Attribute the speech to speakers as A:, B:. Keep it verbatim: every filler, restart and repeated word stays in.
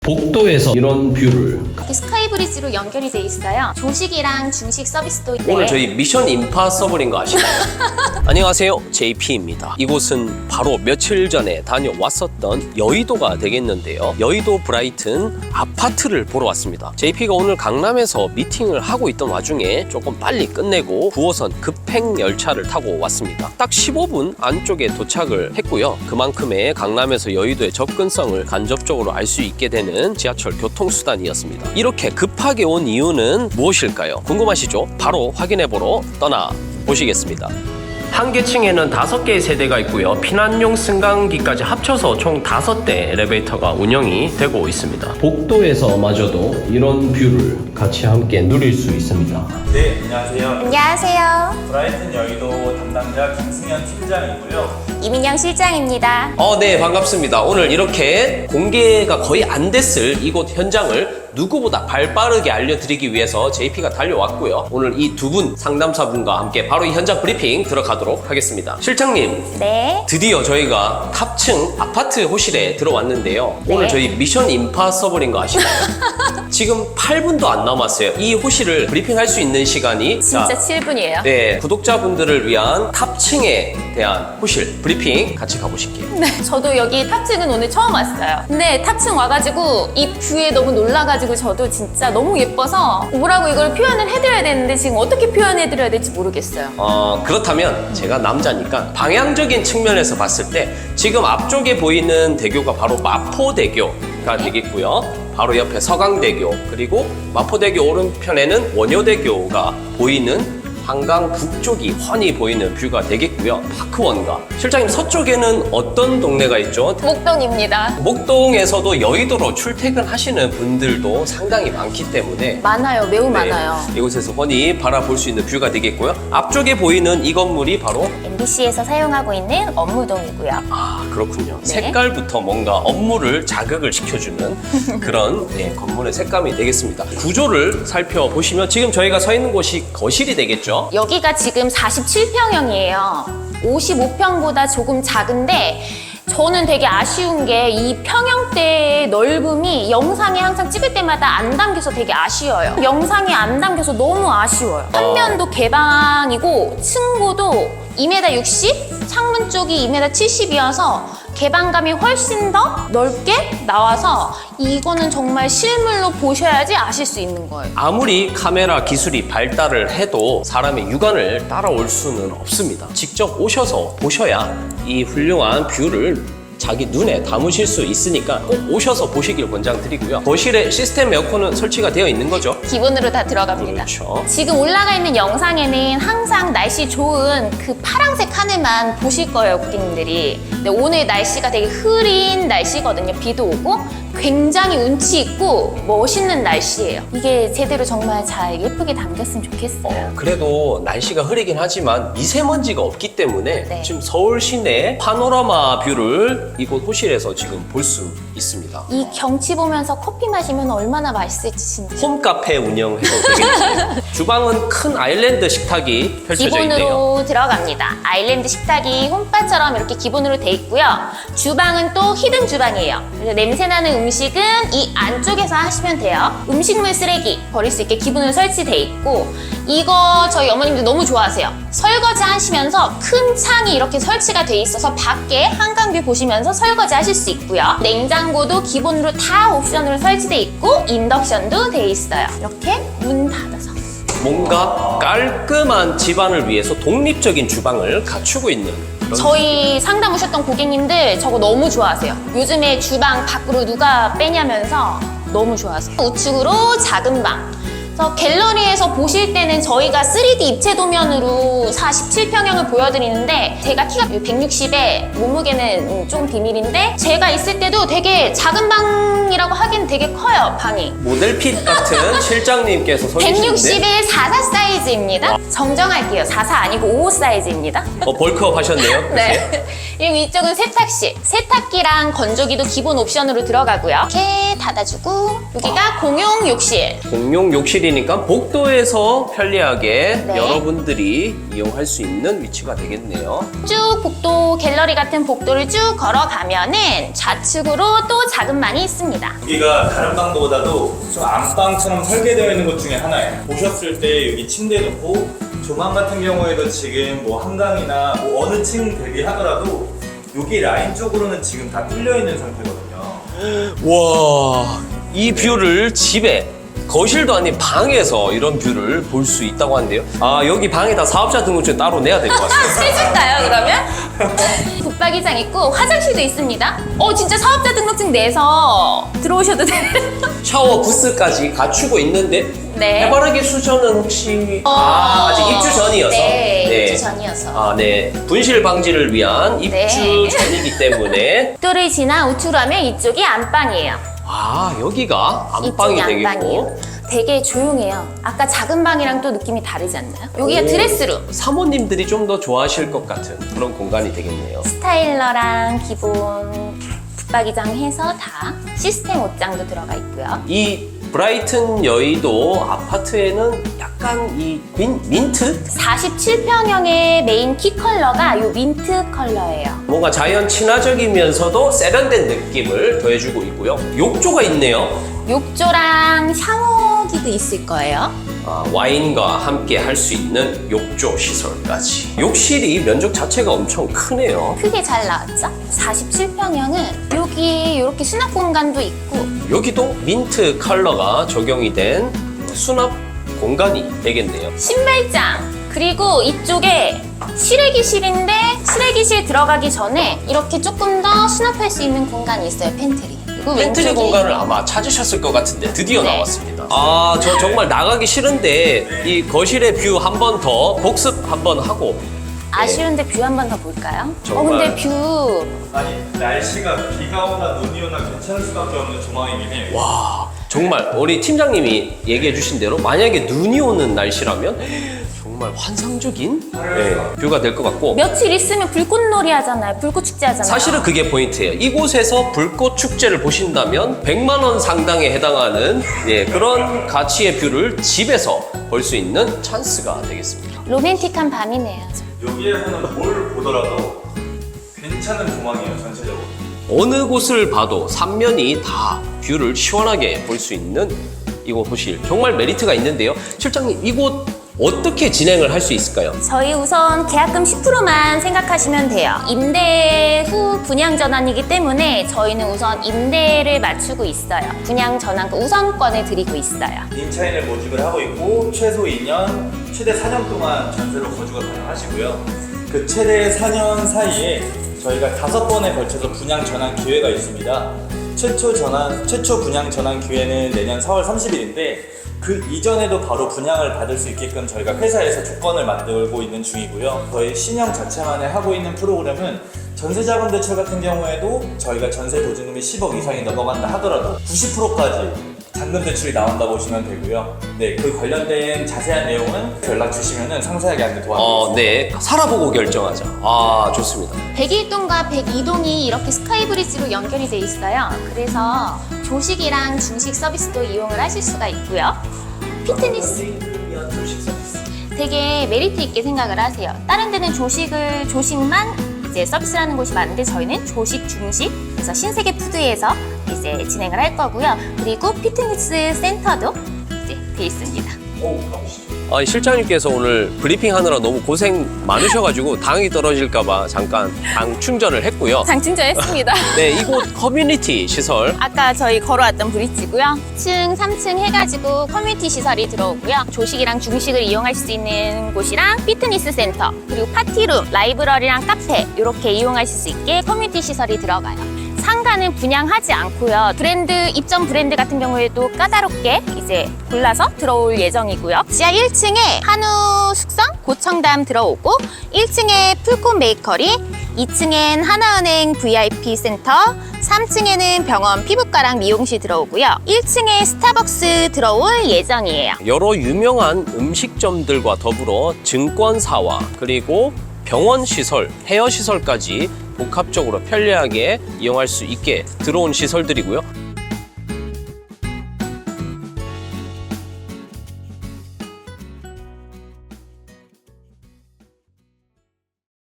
A: 복도에서 이런 뷰를
B: 이렇게 스카이브리지로 연결이 돼 있어요. 조식이랑 중식 서비스도 있고.
C: 오늘 저희 미션 임파서블인 거 아시나요? 안녕하세요, 제이피입니다. 이곳은 바로 며칠 전에 다녀왔었던 여의도가 되겠는데요. 여의도 브라이튼 아파트를 보러 왔습니다. 제이피가 오늘 강남에서 미팅을 하고 있던 와중에 조금 빨리 끝내고 구호선 급행 열차를 타고 왔습니다. 딱 십오 분 안쪽에 도착을 했고요. 그만큼의 강남에서 여의도의 접근성을 간접적으로 알 수 있게 되는 지하철 교통수단이었습니다. 이렇게 급하게 온 이유는 무엇일까요? 궁금하시죠? 바로 확인해보러 떠나보시겠습니다. 한 계층에는 다섯 개의 세대가 있고요. 피난용 승강기까지 합쳐서 총 다섯 대 엘리베이터가 운영이 되고 있습니다.
A: 복도에서 마저도 이런 뷰를 같이 함께 누릴 수 있습니다.
D: 네, 안녕하세요.
B: 안녕하세요.
D: 브라이튼 여의도 담당자 김승현 팀장이고요.
B: 이민영 실장입니다.
C: 어, 네, 반갑습니다. 오늘 이렇게 공개가 거의 안 됐을 이곳 현장을 누구보다 발빠르게 알려드리기 위해서 제이피가 달려왔고요. 오늘 이 두 분 상담사분과 함께 바로 이 현장 브리핑 들어가도록 하겠습니다. 실장님,
B: 네.
C: 드디어 저희가 탑층 아파트 호실에 들어왔는데요.
B: 네.
C: 오늘 저희 미션 임파서블인 거 아시나요? 지금 팔 분도 안 남았어요. 이 호실을 브리핑할 수 있는 시간이
B: 진짜
C: 자,
B: 칠 분이에요.
C: 네, 구독자분들을 위한 탑층에 대한 호실 브리핑 같이 가보실게요.
B: 네, 저도 여기 탑층은 오늘 처음 왔어요. 근데 탑층 와가지고 이 뷰에 너무 놀라가지고 저도 진짜 너무 예뻐서 뭐라고 이걸 표현을 해드려야 되는데 지금 어떻게 표현해드려야 될지 모르겠어요.
C: 어, 그렇다면 제가 남자니까 방향적인 측면에서 봤을 때 지금 앞쪽에 보이는 대교가 바로 마포대교가
B: 네.
C: 되겠고요. 바로 옆에 서강대교, 그리고 마포대교 오른편에는 원효대교가 보이는 한강 북쪽이 훤히 보이는 뷰가 되겠고요. 파크원가. 실장님, 서쪽에는 어떤 동네가 있죠?
B: 목동입니다.
C: 목동에서도 여의도로 출퇴근하시는 분들도 상당히 많기 때문에
B: 많아요. 매우
C: 네,
B: 많아요.
C: 이곳에서 훤히 바라볼 수 있는 뷰가 되겠고요. 앞쪽에 보이는 이 건물이 바로
B: 엠비씨에서 사용하고 있는 업무동이고요.
C: 아, 그렇군요.
B: 네.
C: 색깔부터 뭔가 업무를 자극을 시켜주는 그런 네, 건물의 색감이 되겠습니다. 구조를 살펴보시면 지금 저희가 서 있는 곳이 거실이 되겠죠.
B: 여기가 지금 사십칠 평형이에요. 오십오 평보다 조금 작은데 저는 되게 아쉬운 게 이 평형대의 넓음이 영상에 항상 찍을 때마다 안 담겨서 되게 아쉬워요. 영상이 안 담겨서 너무 아쉬워요. 한 면도 개방이고 층고도 이 미터 육십, 창문 쪽이 이 미터 칠십이어서 개방감이 훨씬 더 넓게 나와서 이거는 정말 실물로 보셔야지 아실 수 있는 거예요.
C: 아무리 카메라 기술이 발달을 해도 사람의 육안을 따라올 수는 없습니다. 직접 오셔서 보셔야 이 훌륭한 뷰를 자기 눈에 담으실 수 있으니까 꼭 오셔서 보시길 권장드리고요. 거실에 시스템 에어컨은 설치가 되어 있는 거죠?
B: 기본으로 다 들어갑니다.
C: 그렇죠.
B: 지금 올라가 있는 영상에는 항상 날씨 좋은 그 파란색 하늘만 보실 거예요, 고객님들이. 근데 오늘 날씨가 되게 흐린 날씨거든요. 비도 오고 굉장히 운치 있고 멋있는 날씨예요. 이게 제대로 정말 잘 예쁘게 담겼으면 좋겠어요.
C: 어, 그래도 날씨가 흐리긴 하지만 미세먼지가 없기 때문에
B: 네.
C: 지금 서울 시내 파노라마 뷰를 이곳 호실에서 지금 볼 수 있습니다.
B: 이 경치 보면서 커피 마시면 얼마나 맛있을지 진짜.
C: 홈카페 운영해도 되겠네요. 주방은 큰 아일랜드 식탁이 펼쳐져 있네요.
B: 기본으로 들어갑니다. 아일랜드 식탁이 홈바처럼 이렇게 기본으로 돼 있고요. 주방은 또 히든 주방이에요. 그래서 냄새나는 음식은 이 안쪽에서 하시면 돼요. 음식물 쓰레기 버릴 수 있게 기본으로 설치돼 있고 이거 저희 어머님들 너무 좋아하세요. 설거지 하시면서 큰 창이 이렇게 설치가 돼 있어서 밖에 한강뷰 보시면서 설거지 하실 수 있고요. 냉장고도 기본으로 다 옵션으로 설치돼 있고 인덕션도 돼 있어요. 이렇게 문 닫아서.
C: 뭔가 깔끔한 집안을 위해서 독립적인 주방을 갖추고 있는 그런
B: 저희 상담 오셨던 고객님들 저거 너무 좋아하세요. 요즘에 주방 밖으로 누가 빼냐면서 너무 좋아하세요. 우측으로 작은 방. 그래서 갤러리에서 보실 때는 저희가 쓰리디 입체 도면으로 사십칠 평형을 보여드리는데 제가 키가 백육십에 몸무게는 좀 비밀인데 제가 있을 때도 되게 작은 방이라고 하기엔 되게 커요, 방이.
C: 모델핏 같은 실장님께서 서 계시는데
B: 백육십에 사십사 사이즈입니다. 정정할게요. 사십사 아니고 오십오 사이즈입니다.
C: 어, 벌크업 하셨네요.
B: 네. 그리고 이쪽은 세탁실. 세탁기랑 건조기도 기본 옵션으로 들어가고요. 이렇게 닫아주고 여기가 공용 욕실.
C: 공용 욕실이니까 복도에서 편리하게
B: 네.
C: 여러분들이 이용할 수 있는 위치가 되겠네요.
B: 쭉 복도, 갤러리 같은 복도를 쭉 걸어가면은 좌측으로 또 작은 방이 있습니다.
D: 여기가 여기가 다른 방보다도 좀 안방처럼 설계되어 있는 것 중에 하나예요. 보셨을 때 여기 침대 놓고 조망 같은 경우에도 지금 뭐 한강이나 뭐 어느 층 대비하더라도 여기 라인 쪽으로는 지금 다 뚫려 있는 상태거든요.
C: 와, 이 뷰를 집에 거실도 아닌 방에서 이런 뷰를 볼 수 있다고 하는데요. 아, 여기 방에다 사업자 등록증 따로 내야 될 것 같습니다.
B: 해줄까요, 그러면? 붙박이장 있고 화장실도 있습니다. 어, 진짜 사업자 등록증 내서 들어오셔도 돼요.
C: 샤워 부스까지 갖추고 있는데
B: 네.
C: 해바라기 수전은 혹시
B: 어,
C: 아, 아직 입주 전이어서
B: 네, 입주 전이어서.
C: 아, 네. 분실 방지를 위한 입주
B: 네.
C: 전이기 때문에
B: 를 지나 우측으로 하면 이쪽이 안방이에요.
C: 아, 여기가 안방이
B: 이쪽이
C: 되겠고
B: 안방이에요. 되게 조용해요. 아까 작은 방이랑 또 느낌이 다르지 않나요? 여기가
C: 오.
B: 드레스룸.
C: 사모님들이 좀 더 좋아하실 것 같은 그런 공간이 되겠네요.
B: 스타일러랑 기본 붙박이장 해서 다 시스템 옷장도 들어가 있고요.
C: 이 브라이튼 여의도 아파트에는 약간 이 민, 민트?
B: 사십칠 평형의 메인 키 컬러가 이 민트 컬러예요.
C: 뭔가 자연 친화적이면서도 세련된 느낌을 더해주고 있고요. 욕조가 있네요.
B: 욕조랑 샤워기도 있을 거예요.
C: 아, 와인과 함께 할 수 있는 욕조 시설까지. 욕실이 면적 자체가 엄청 크네요.
B: 크게 잘 나왔죠? 사십칠 평형은 여기 이렇게 수납 공간도 있고
C: 여기도 민트 컬러가 적용이 된 수납 공간이 되겠네요.
B: 신발장 그리고 이쪽에 실외기실인데 실외기실 들어가기 전에 이렇게 조금 더 수납할 수 있는 공간이 있어요. 팬트리. 그리고
C: 팬트리
B: 왼쪽에
C: 공간을 아마 찾으셨을 것 같은데 드디어
B: 네.
C: 나왔습니다. 아, 저 정말 나가기 싫은데 이 거실의 뷰 한 번 더 복습 한 번 하고
B: 아쉬운데 뷰 한 번 더 볼까요?
C: 정말.
B: 어 근데 뷰
D: 아니 날씨가 비가 오나 눈이 오나 괜찮을 수밖에 없는 조망이긴 해요.
C: 와, 정말 우리 팀장님이 얘기해 주신 대로 만약에 눈이 오는 날씨라면 정말 환상적인 네, 뷰가 될 것 같고
B: 며칠 있으면 불꽃놀이 하잖아요. 불꽃 축제 하잖아요.
C: 사실은 그게 포인트예요. 이곳에서 불꽃 축제를 보신다면 백만 원 상당에 해당하는 예, 그런 가치의 뷰를 집에서 볼 수 있는 찬스가 되겠습니다.
B: 로맨틱한 밤이네요.
D: 여기에서는 뭘 보더라도 괜찮은 조망이에요, 전체적으로.
C: 어느 곳을 봐도 삼면이 다 뷰를 시원하게 볼 수 있는 이곳 호실 정말 메리트가 있는데요. 실장님, 이곳 어떻게 진행을 할 수 있을까요?
B: 저희 우선 계약금 십 퍼센트만 생각하시면 돼요. 임대 후 분양 전환이기 때문에 저희는 우선 임대를 맞추고 있어요. 분양 전환 우선권을 드리고 있어요.
D: 임차인을 모집을 하고 있고 최소 이 년, 최대 사 년 동안 전세로 거주가 가능하시고요. 그 최대 사 년 사이에 저희가 다섯 번에 걸쳐서 분양 전환 기회가 있습니다. 최초 전환, 최초 분양 전환 기회는 내년 사월 삼십일인데 그 이전에도 바로 분양을 받을 수 있게끔 저희가 회사에서 조건을 만들고 있는 중이고요. 저희 신형 자체만에 하고 있는 프로그램은 전세자금 대출 같은 경우에도 저희가 전세 보증금이 십억 이상이 넘어간다 하더라도 구십 퍼센트까지 잔금 대출이 나온다 보시면 되고요. 네, 그 관련된 자세한 내용은 연락 주시면 상세하게 안내 도와드리겠습니다.
C: 어, 네. 살아보고 결정하자. 아, 좋습니다.
B: 백일 동과 백이 동이 이렇게 스카이브리지로 연결이 돼 있어요. 그래서 조식이랑 중식 서비스도 이용을 하실 수가 있고요. 피트니스 되게 메리트 있게 생각을 하세요. 다른 데는 조식을 조식만 이제 서비스를 하는 곳이 많은데 저희는 조식, 중식 그래서 신세계 푸드에서 이제 진행을 할 거고요. 그리고 피트니스 센터도 이제 돼 있습니다.
C: 아, 실장님께서 오늘 브리핑 하느라 너무 고생 많으셔가지고 당이 떨어질까봐 잠깐 당 충전을 했고요.
B: 장충전했습니다.
C: 네, 이곳 커뮤니티 시설
B: 아까 저희 걸어왔던 브릿지고요. 이 층, 삼 층 해가지고 커뮤니티 시설이 들어오고요. 조식이랑 중식을 이용할 수 있는 곳이랑 피트니스 센터, 그리고 파티룸, 라이브러리랑 카페 이렇게 이용하실 수 있게 커뮤니티 시설이 들어가요. 상가는 분양하지 않고요. 브랜드, 입점 브랜드 같은 경우에도 까다롭게 이제 골라서 들어올 예정이고요. 지하 일 층에 한우 숙성, 고청담 들어오고 일 층에 풀콘 베이커리, 이 층엔 하나은행 브이아이피 센터, 삼 층에는 병원 피부과랑 미용실 들어오고요. 일 층에 스타벅스 들어올 예정이에요.
C: 여러 유명한 음식점들과 더불어 증권사와 그리고 병원 시설, 헤어 시설까지 복합적으로 편리하게 이용할 수 있게 들어온 시설들이고요.